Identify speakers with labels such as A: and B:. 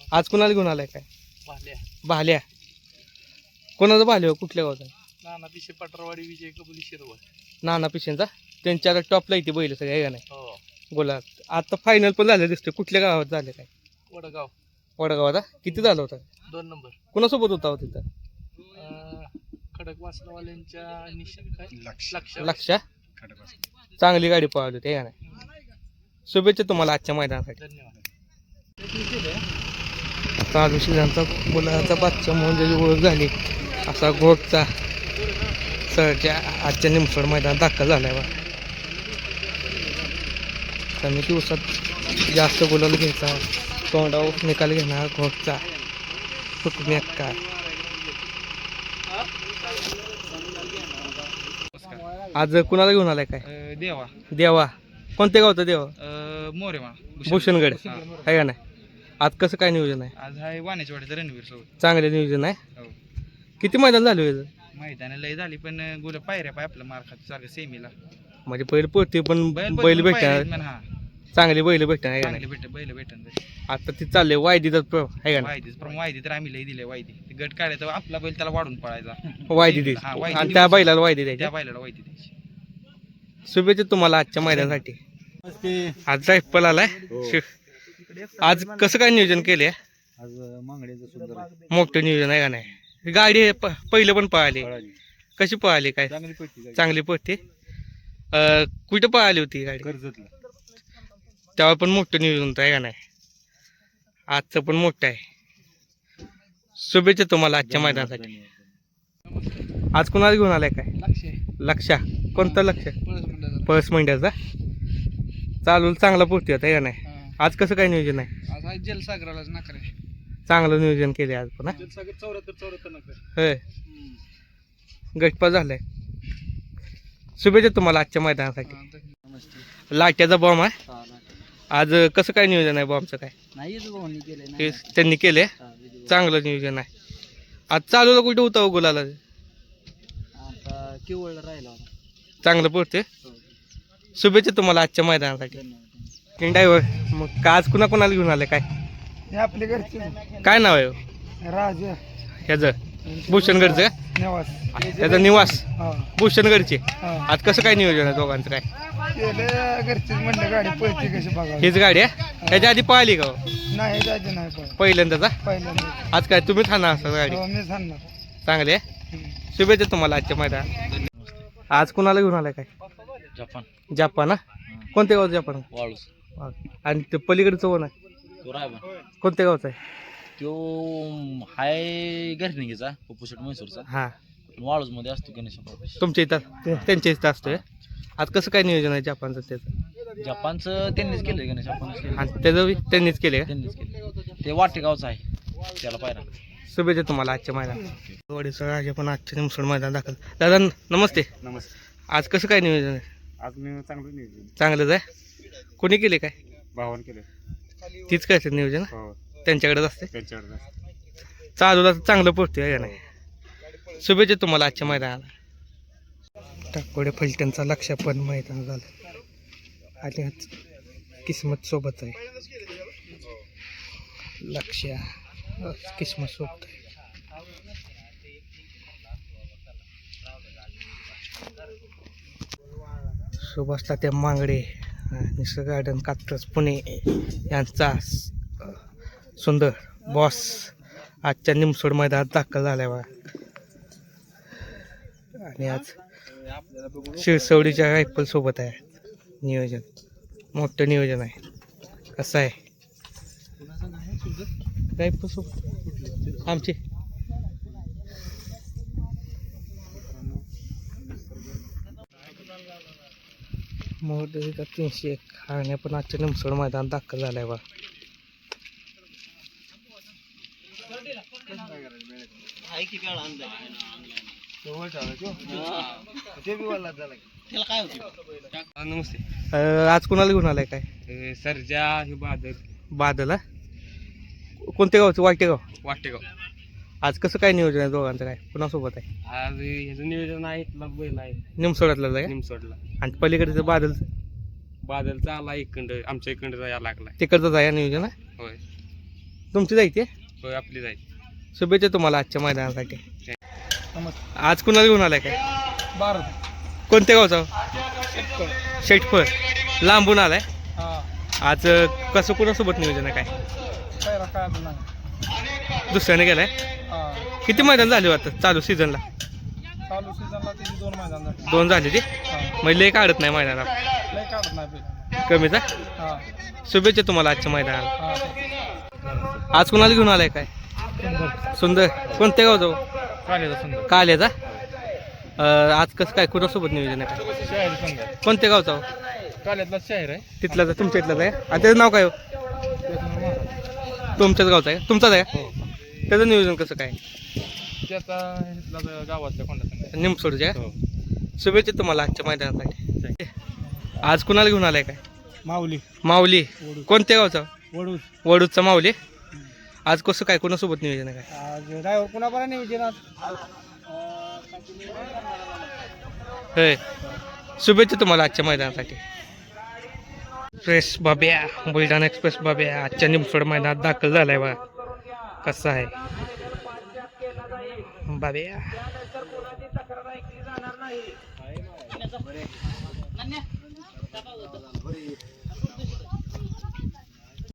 A: आज कुणाला घेऊन आलाय काय?
B: भाल्या
A: भाल्या. कोणाचं भाल्या हो? कुठल्या गावचा?
B: नाना पिशे पटरवाडी विजय कबुली शिरवळ.
A: नाना पिशेंचा. त्यांच्या टॉपला इथे बैल सगळे आहे का नाही?
B: हो
A: बोला. आता फायनल पण झालं दिसतंय. कुठल्या गावात झाले काय?
B: वडगाव
A: वडगावात. किती झालं होतं?
B: 2 नंबर.
A: कोणासोबत होता हो तिथं?
B: खडक वासनवाल्यांच्या निशाण काय लक्ष
A: लक्षा. चांगली गाडी पळवली होती आहे का नाही? शुभेच्छा तुम्हाला आजच्या मैदानासाठी.
B: धन्यवाद.
A: चालू शिजांचा मुलाचा बादशा म्हणून ज्याची ओळख झाली असा घोटचा सरच्या आजच्या निमसोड मैदानात दाखल झाला आहे बा. कमी दिवसात जास्त बोलायला घ्यायचा तोंडावर निकाल घेणार घोटचा हुकमी अक्का. आज कुणाला घेऊन आलाय काय?
B: देवा
A: देवा. कोणत्या गावचा देवा?
B: मोरेमा
A: भूषणगड आहे का नाही? आज कसं काय नियोजन आहे?
B: आज हाय वाण्याच्या रणवीर सोबत.
A: चांगले नियोजन आहे.
B: हो
A: किती मैदान झाले हो?
B: मैदान लय झाली पण गुल पायऱ्या पाय आपलं मार खात सारखं सेमीला
A: म्हणजे बैल पोहते पण बैल भेटणार.
B: हा
A: चांगली बैल भेटणार आहे का
B: चांगली
A: नाही?
B: बैल भेटन
A: आता ती चालले वायदीचा आहे का नाही?
B: वायदीच पण वायदी तर आम्ही लय दिले वायदी ते गट काढायचा आपला बैल त्याला वाढून पळायचा.
A: वायदी
B: हा,
A: द्यायची
B: वायदी
A: आणि त्या बैलाला वायदी
B: त्या
A: द्यायची.
B: बैलाला वायदी द्यायची.
A: शुभेच्छा तुम्हाला आजच्या मैदानासाठी. आज रायफल आलाय. आज कसं काय नियोजन केले?
B: आज मांगड्याचं सुंदर
A: मोठं नियोजन आहे का नाही? गाडी पहिलं पण पळाली. कशी पळाली काय?
B: चांगली पडती
A: चांगली पळते. कुठं पळाली होती गाडी?
B: कर्जतला.
A: तेव्हा पण मोठं नियोजन होतं आहे का नाही? आजचं पण मोठं आहे. शुभेच्छा तुम्हाला आजच्या मैदानासाठी. आज कुणाला घेऊन आलाय काय? लक्षा. कोणतं लक्ष? पळस मंड्याचा. चालू चांगला पोहोचते आता आहे का नाही? आज कसं काय नियोजन आहे?
B: आज आहे जलसागरालाच नाकरे.
A: चांगलं नियोजन केले आज पण.
B: जलसागर 74 नाकरे.
A: होय. गटपा झालाय. शुभेच्छा तुम्हाला आजच्या मैदानासाठी. लाट्याचा बॉम्ब आहे. आज कसं काय नियोजन आहे बॉम्बचं काय?
B: नाही
A: त्यांनी केले. चांगलं नियोजन आहे. आज चालूला कुठे होता गुलाला?
B: केवळ राहिला.
A: चांगलं पडते. शुभेच्छा तुम्हाला आजच्या मैदानासाठी. ड्रायव्हर मग आज कुणा कोणाला घेऊन आले काय?
B: हे आपले घरचे
A: काय नाव आहे हो?
B: राज
A: ह्याचं भूषणगडचं?
B: निवास
A: त्याचा निवास
B: हा
A: भूषणगडचे.
B: हा
A: आज कसं काय नियोजन आहे दोघांचं काय?
B: केलं घरचीच म्हणलं गाडी पळते कशी बघा.
A: हीच गाडी आहे. ह्याच्या आधी पळाली का हो?
B: नाही जायचं नाही पण
A: पहिल्यांदाचा.
B: पहिल्यांदा
A: आज काय तुम्ही थांबा असं गाडी?
B: मी सांगणार.
A: चांगली आहे. शुभेच्छा तुम्हाला आजच्या मैदानात. आज कुणाला घेऊन आलाय काय?
B: Japan
A: Japan. कोणत्या गावचं जपान?
B: वाळूस
A: आणि ते पलीकडचं कोण आहे?
B: तो रायबा
A: कोणत्या गावचं आहे?
B: तो हाय घरनिंगीचा पोपुशट म्हैसूरचा.
A: हां.
B: वाळूस मध्ये असतो गणेश.
A: तुमच्या इथं त्यांच्या इथं असतोय. आज कसं काय नियोजन आहे जपानचं त्याचं?
B: जपानचं त्यांनीच केलंय गणेश. आपण
A: आणि त्याचं त्यांनीच केले का?
B: त्यांनीच केलं. ते वाटेगावचं आहे त्याला पायरा.
A: शुभेच्छा तुम्हाला आजच्या मैदानात. वडीचा राजा पण आजच्या निमसोड मैदान दाखल. दादा नमस्ते.
B: नमस्ते.
A: आज कसं काय नियोजन आहे?
B: आज मी चांगलं नियोजन
A: चांगलंच आहे. कोणी केले काय?
B: भावान केलं.
A: तीच काय नियोजन?
B: हो
A: त्यांच्याकडेच असते.
B: त्यांच्याकडे
A: चालूला चांगलं पडते आहे का नाही? शुभेच्छा तुम्हाला आजच्या मैदानाला. टाकोडे फलटणचा लक्ष पण मैदान झालं आणि आज किस्मत सोबत आहे. लक्ष किस्मत सोबत आहे. सुभाष तात्या मांगडे निसर्ग गार्डन कात्रज पुणे यांचा सुंदर बॉस आजच्या निमसोड मैदानात दाखल झालाय बघा. आणि आज शिरसवडीच्या रायफल सोबत आहे. नियोजन मोठं नियोजन आहे. कसं आहे रायफल सोबत आमचे मोठं 301 हारण्या पण आजच्या निमसोड मैदानात दाखल झालाय बा. नमस्ते. आज कुणाला घेऊन आलाय काय?
B: सरजा हे बादल.
A: बादल. कोणत्या गावचं? वाटेगाव.
B: वाटेगाव.
A: आज कसं काय नियोजन आहे दोघांचं काय? कुणासोबत आहे?
B: आज ह्याचं नियोजन आहे बैल आहे
A: निमसोडातलं आहे
B: निमसोडला.
A: आणि पलीकडचं बादलचं?
B: बादलचा आला इकडं आमच्या इकडं जायला लागलाय.
A: तिकडचं आहे नियोजन आहे.
B: होय.
A: तुमची जायची
B: होय आपली जायची.
A: शुभेच्छा तुम्हाला आजच्या मैदानासाठी.
C: नमस्कार.
A: आज कुणाला घेऊन आलाय काय?
C: भारत.
A: कोणत्या गावचा? शेटफळ. लांबून आलाय.
C: हा.
A: आज कसं कुणासोबत नियोजन आहे काय?
C: पहिला काय अजून नाही.
A: दुसऱ्याने गेलाय.
C: हा.
A: किती मैदान झाले आता चालू सीझनला?
C: चालू सीझनला तिथे 2 मैदान झाले.
A: 2 झाले ते.
C: हा.
A: म्हणजे लय काढत नाही मैदानात.
C: लय काढत नाही पहिला.
A: कमीचा.
C: हा.
A: शुभेच्छा तुम्हाला आजच्या मैदानाला.
C: हा.
A: आज कुणाला घेऊन आलाय काय? सुंदर. कोणत्या गावचा?
B: कालेचा सुंदर.
A: काल्याचा. आज कसं काय कुणासोबत नियोजन आहे काय?
B: शाहीर संघ.
A: कोणत्या गावचा?
B: काल्यातला शाहीर आहे.
A: तिथलाच आहे, तुमच्या इथलाच आहे. आणि त्याचं नाव काय हो? तुमच्याच गावचं आहे? तुमचाच आहे? त्याचं नियोजन कसं काय?
B: त्याचा गावातल्या कोणता संघ?
A: निमसोडच्या
B: हो.
A: शुभेच्छा तुम्हाला आजच्या मैदानासाठी. आज कुणाला घेऊन आलाय काय?
C: माऊली.
A: माऊली. कोणत्या गावचा?
C: वडूस.
A: वडूचा माऊली. आज कसं काय कुणासोबत नियोजन आहे काय?
C: आज ड्रायव्हर पुन्हा बरं नियोजन आज.
A: होय. शुभेच्छा तुम्हाला आजच्या मैदानासाठी. एक्सप्रेस बाब्या, बुलढाणा एक्सप्रेस बाब्या आजच्या निमसोड मैदानात दाखल झालाय बघा. कसं आहे बाब्या.